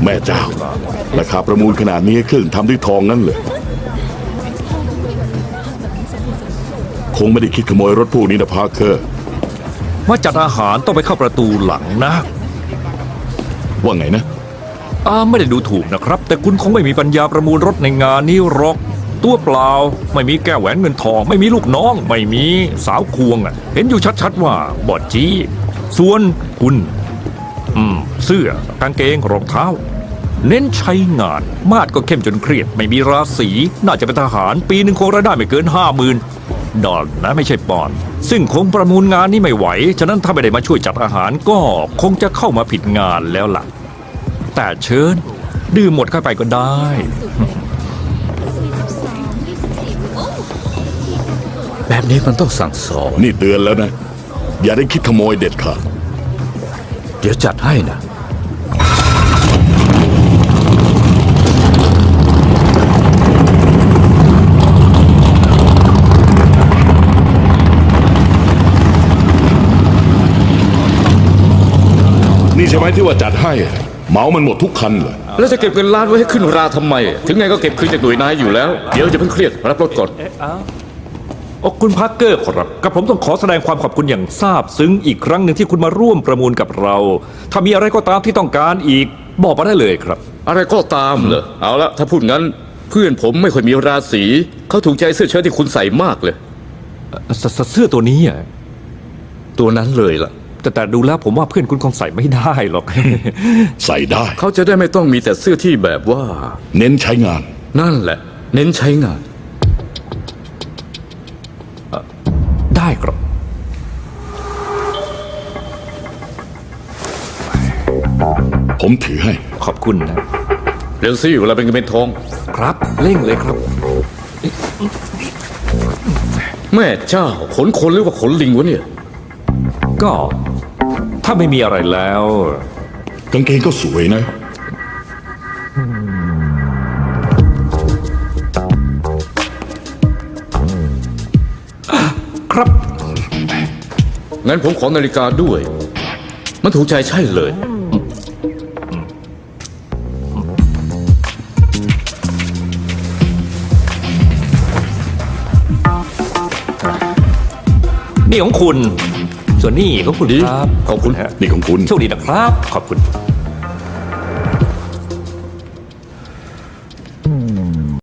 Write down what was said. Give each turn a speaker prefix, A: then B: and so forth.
A: แม่เจ้าราคาประมูลขนาดนี้เครื่องทำด้วยทองนั่นเลยคงไม่ได้คิดขโมยรถพวกนี้นะพาร์เคอร์
B: ว่าจัดอาหารต้องไปเข้าประตูหลังนะ
A: ว่าไงนะ
B: ไม่ได้ดูถูกนะครับแต่คุณคงไม่มีปัญญาประมูลรถในงานนี้หรอกตัวเปล่าไม่มีแก้วแหวนเงินทองไม่มีลูกน้องไม่มีสาวควงเห็นอยู่ชัดๆว่าบอดจี้ส่วนคุณเสื้อกางเกงรองเท้าเน้นใช้งานมาดก็เข้มจนเครียดไม่มีราศีน่าจะเป็นทหารปีหนึ่งคงรายได้ไม่เกิน50,000 ดอลนะไม่ใช่ปอนด์ซึ่งคงประมูลงานนี้ไม่ไหวฉะนั้นถ้าไม่ได้มาช่วยจัดอาหารก็คงจะเข้ามาผิดงานแล้วล่ะแต่เชิญดื่มหมดเข้าไปก็ได้
C: แบบนี้มันต้องสั่งสอน
A: นี่เตือนแล้วนะอย่าได้คิดขโมยเด็ดขาด
C: เดี๋ยวจัดให้นะ
A: นี่ใช่ไหมที่ว่าจัดให้เหมามันหมดทุกคันเลย
C: แล้วจะเก็บเงินล้านไว้ให้ขึ้นราทำไมถึงไงก็เก็บคืนจากหน่วยนายอยู่แล้วเดี๋ยวจะเพิ่งเครียดรับรถก่อน
B: คุณพาร์เกอร์ครับกับผมต้องขอแสดงความขอบคุณอย่างซาบซึ้งอีกครั้งหนึ่งที่คุณมาร่วมประมูลกับเราถ้ามีอะไรก็ตามที่ต้องการอีกบอกมาได้เลยครับ
C: อะไรก็ตามเหรอเอาละถ้าพูดงั้นเพื่อนผมไม่ค่อยมีราศีเขาถูกใจเสื้อเชิ้ตที่คุณใส่มากเลย
B: เสื้อตัวนี้
C: ตัวนั้นเลยล่ะ
B: แต่ดูแล้วผมว่าเพื่อนคุณคงใส่ไม่ได้หรอก
A: ใส่ได้
C: เขาจะได้ไม่ต้องมีแต่เสื้อที่แบบว่า
A: เน้นใช้งาน
C: นั่นแหละเน้นใช้งาน
B: ได้ครับ
A: ผมถือให้
B: ขอบคุณนะ
C: เร็วสิเวลาเป็นเงินเป็นทอง
B: ครับเร่งเลยครับ
C: แม่เจ้าขนคนหรือว่าขนลิงวะเนี่ย
B: ก็ถ้าไม่มีอะไรแล้ว
A: กางเกงก็สวย
B: นะครับ
C: งั้นผมขอนาฬิกาด้วยมันถูกใจใช่เลย
B: นี่ของคุณส่วนนี่ของคุณครับ
C: ขอบคุณ
A: นี่ของคุณ
B: โชคดีนะครับขอบคุณ